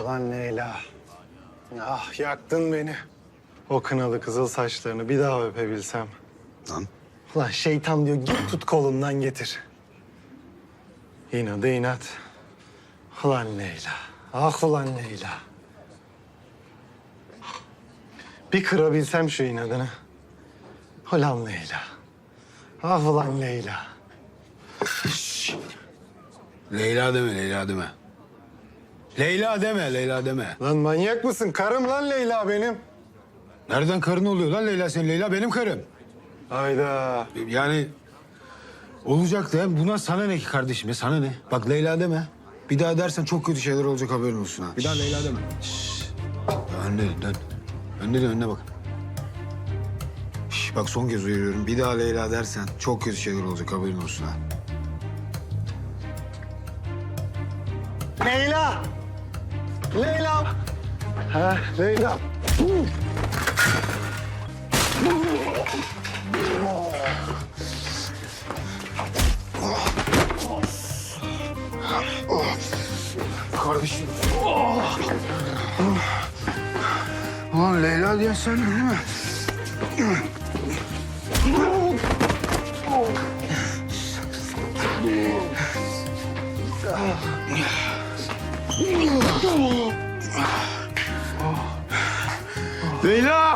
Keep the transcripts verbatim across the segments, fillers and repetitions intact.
Ulan Leyla. Ah yaktın beni. O kınalı kızıl saçlarını bir daha öpebilsem. Lan Ulan şeytan diyor git tut kolumdan getir. İnadı inat. Ulan Leyla. Ah ulan Leyla. Bir kırabilsem şu inadını. Ulan Leyla. Ah ulan Leyla. Leyla deme, Leyla deme. Leyla deme, Leyla deme. Lan manyak mısın? Karım lan Leyla benim. Nereden karın oluyor lan Leyla senin? Leyla benim karım. Hayda. Yani olacak da buna sana ne ki kardeşim ya, sana ne? Bak Leyla deme. Bir daha dersen çok kötü şeyler olacak, haberin olsun ha. Bir daha Leyla deme. Şşş. Önde dön. Önde dön, önüne bak. Şş, bak son kez uyarıyorum. Bir daha Leyla dersen çok kötü şeyler olacak, haberin olsun ha. Leyla! Leyla! Ha, Leyla. Kardeşim. Ulan Leyla diye sen değil mi? Leyla!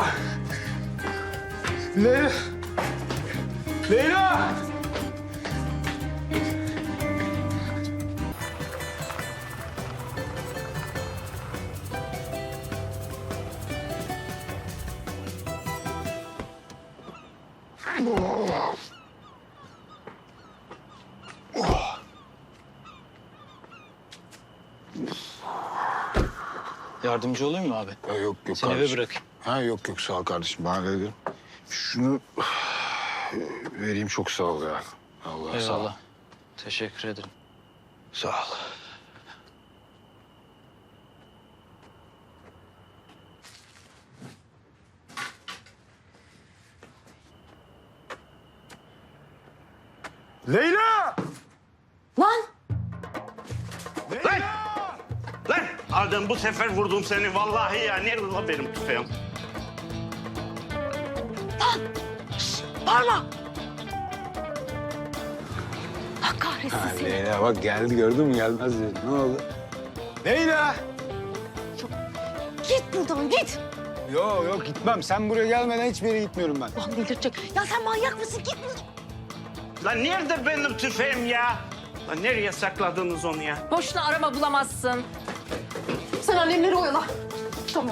Leyla! Leyla! Yardımcı olayım mı abi? Ha, yok yok Seni eve kardeşim. bırakayım. Ha yok yok sağ ol kardeşim. Ben hallederim. Şunu vereyim, çok sağ ol ya. Allah sağ ol. Eyvallah. Teşekkür ederim. Sağ ol. Leyla! Lan! Lan! Lan! Adem bu sefer vurdum seni vallahi ya. Nerede lan benim tüfeğim? Bağırma! Allah kahretsin Ha, seni. Leyla bak geldi, gördün mü? Gelmez dedi. Ne oldu? Leyla! Git buradan git. Yok yok gitmem. Sen buraya gelmeden hiçbir yere gitmiyorum ben. Lan delirtecek. Ya sen manyak mısın? Git buradan. Lan nerede benim tüfeğim ya? Lan nereye sakladınız onu ya? Boşuna arama bulamazsın. Sen annemleri oyala. Tamam.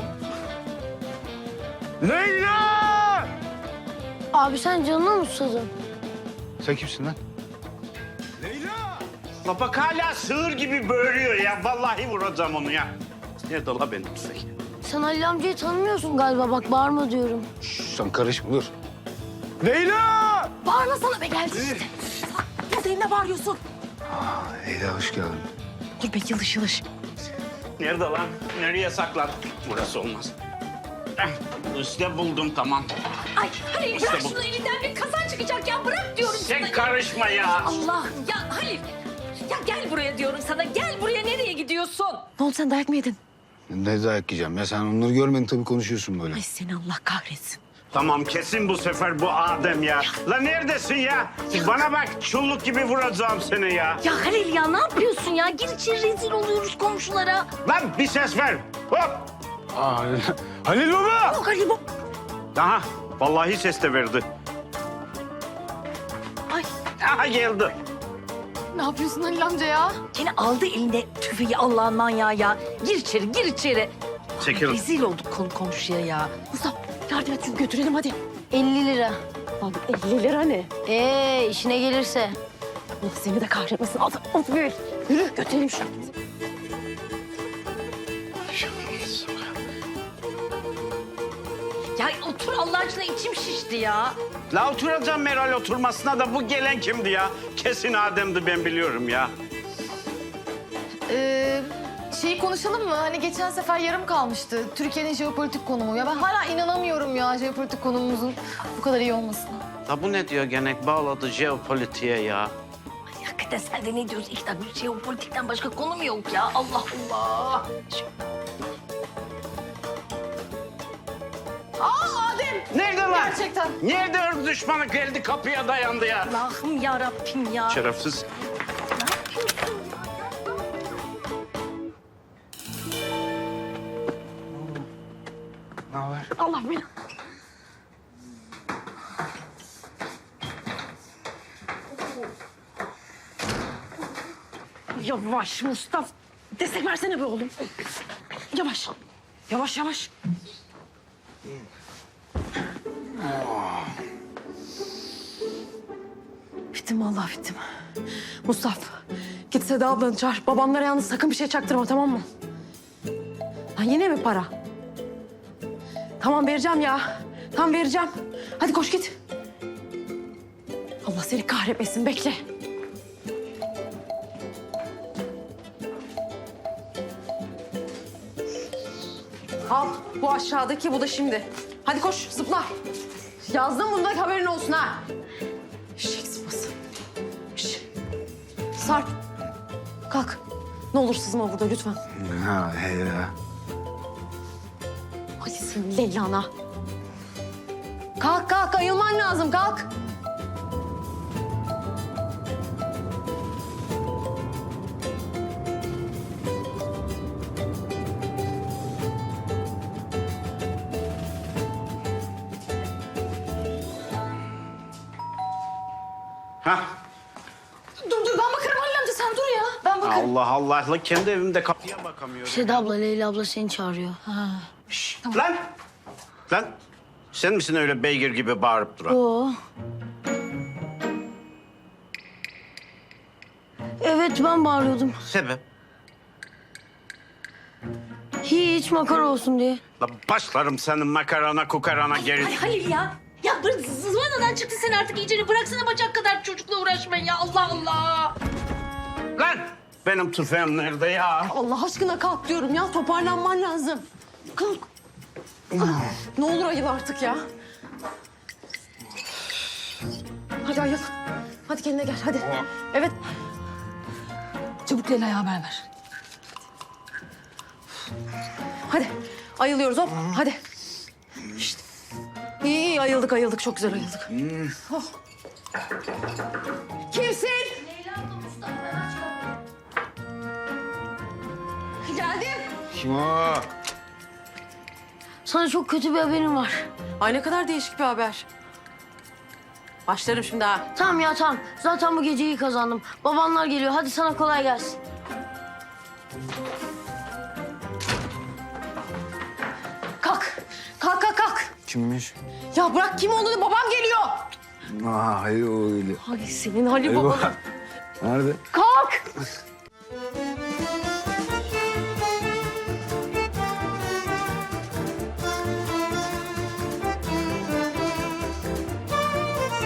Leyla! Abi sen canına mı susadın? Sen kimsin lan? Leyla! La bak hala sığır gibi böğürüyor ya. Vallahi vuracağım onu ya. Nerede la benim tüfeğim? Sen Halil amcayı tanımıyorsun galiba. Bak bağırma diyorum. Şş, sen karışma dur. Leyla! Bağırma sana be geldi işte. Buradayım ne bağırıyorsun? Leyla hoş geldin. Dur be yılış yılış. Nerede lan? Nereye sakladın? Burası olmaz. Eh, İşte buldum tamam. Ay Halil İşte bırak bu. şunu elinden bir kazan çıkacak ya. Bırak diyorum Sen sana. karışma ya. Allah ya Halil. Ya gel buraya diyorum sana. Gel buraya nereye gidiyorsun? Ne oldu sen dayak mı yedin? Ne dayak yiyeceğim ya, sen onları görmedin tabii, konuşuyorsun böyle. Ay seni Allah kahretsin. Tamam kesin bu sefer bu Adem ya. Lan neredesin ya? Bana bak çulluk gibi vuracağım seni ya. Ya Halil ya ne yapıyorsun ya? Gir içeri rezil oluyoruz komşulara. Lan bir ses ver. Hop. Aa, Halil, Halil baba! Yok Halil bu. Aha vallahi ses de verdi. Ay Aha geldi. ne yapıyorsun Halil amca ya? Seni aldı eline tüfeği Allah'ın manyağı ya. Gir içeri gir içeri. Çekil. Rezil olduk konu komşuya ya. Mustafa yardım et şunu götürelim hadi. elli lira. Lan elli lira ne? Ee işine gelirse. Allah seni de kahretmesin. Al, al yürü. Yürü götürelim şunu. Ya otur Allah aşkına içim şişti ya. La oturacağım Meral oturmasına da bu gelen kimdi ya? Kesin Adem'di ben biliyorum ya. Ee, şeyi konuşalım mı? Hani geçen sefer yarım kalmıştı. Türkiye'nin jeopolitik konumu. Ya ben hala inanamıyorum ya jeopolitik konumumuzun bu kadar iyi olmasına. La bu ne diyor gene bağladı jeopolitiğe ya. Ay hakikaten sen de ne diyorsun? İki dakika jeopolitikten başka konu mu yok ya? Allah Allah. Şu- Nerede lan? Gerçekten. Nerede ırz düşmanı geldi kapıya dayandı ya? Allah'ım ya Rabbim ya. Şerefsiz. Ne haber? Allah beni. Yavaş Mustafa. Destek versene be oğlum. Yavaş. Yavaş yavaş. Bittim vallahi bittim. Mustafa git Seda ablanı çağır. Babamlara yalnız sakın bir şey çaktırma, tamam mı? Lan yine mi para? Tamam vereceğim ya. Tamam vereceğim. Hadi koş git. Allah seni kahretmesin, bekle. Al bu aşağıdaki, bu da şimdi. Hadi koş zıpla. Yazdım, bunda haberin olsun ha. Şişek sıpası. Şş. Sarp. Kalk. Ne olur sızma burada lütfen. Ha he ya. Hadi senin Leyla'na. Kalk kalk, ayılman lazım, kalk. Hah. Dur dur ben bakarım Halil amca, sen dur ya. Ben bakarım. Allah Allah. La kendi evimde kapıya bakamıyorum. Seda abla, Leyla abla seni çağırıyor. Lan! Lan! Sen misin öyle beygir gibi bağırıp duran? Oo. Evet, ben bağırıyordum. Sebep? Hiç makara olsun diye. La başlarım senin makarana kukarana geri. Ay Halil ya. Ya böyle zıvanadan çıktı sen artık iyicene. Bıraksana bacak kadar çocukla uğraşmayın ya. Allah Allah. Lan! Benim tüfeğim nerede ya? Allah aşkına kalk diyorum ya. Toparlanman lazım. Kalk. Ne olur ayıl artık ya. Hadi ayıl. Hadi kendine gel hadi. Evet. Çabuk Leyla'ya haber ver. Hadi. Ayılıyoruz hop. Hadi. Şişt. İyi iyi ayıldık ayıldık. Çok güzel ayıldık. Oh. Kimsin? Geldim. Kim o? Sana çok kötü bir haberim var. Ay ne kadar değişik bir haber. Başlarım şimdi ha. Tamam ya tamam. Zaten bu geceyi kazandım. Babanlar geliyor. Hadi sana kolay gelsin. Kalk. Kalk kalk kalk. Kimmiş? Ya bırak kim olduğunu, babam geliyor. Aa hayır o öyle. Ay senin Halil baban. Nerede? Kalk.